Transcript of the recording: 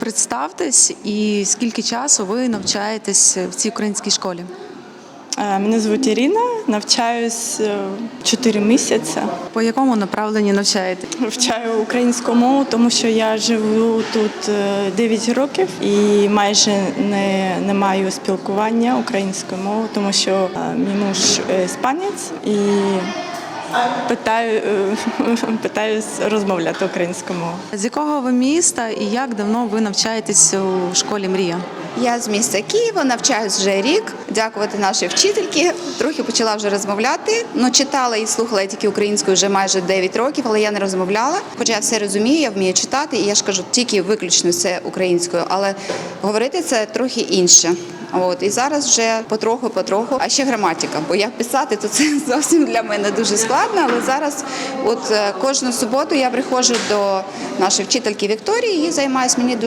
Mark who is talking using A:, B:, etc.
A: Представтесь і скільки часу ви навчаєтесь в цій українській школі?
B: Мене звуть Ірина, навчаюсь 4 місяці.
A: По якому направленні навчаєте?
B: Вивчаю українську мову, тому що я живу тут 9 років і майже не маю спілкування українською мовою, тому що мій муж іспанець і питаюсь розмовляти українською мовою.
A: З якого ви міста і як давно ви навчаєтесь у школі «Мрія»?
C: Я з міста Києва, навчаюсь вже рік. Дякувати нашій вчительці. Трохи почала вже розмовляти. Читала і слухала я тільки українською вже майже 9 років, але я не розмовляла. Хоча я все розумію, я вмію читати, і я ж кажу, тільки виключно все українською. Але говорити це трохи інше. І зараз вже потроху, а ще граматика. Бо як писати, то це зовсім для мене дуже складно. Але зараз кожну суботу я приходжу до нашої вчительки Вікторії і займаюся. Мені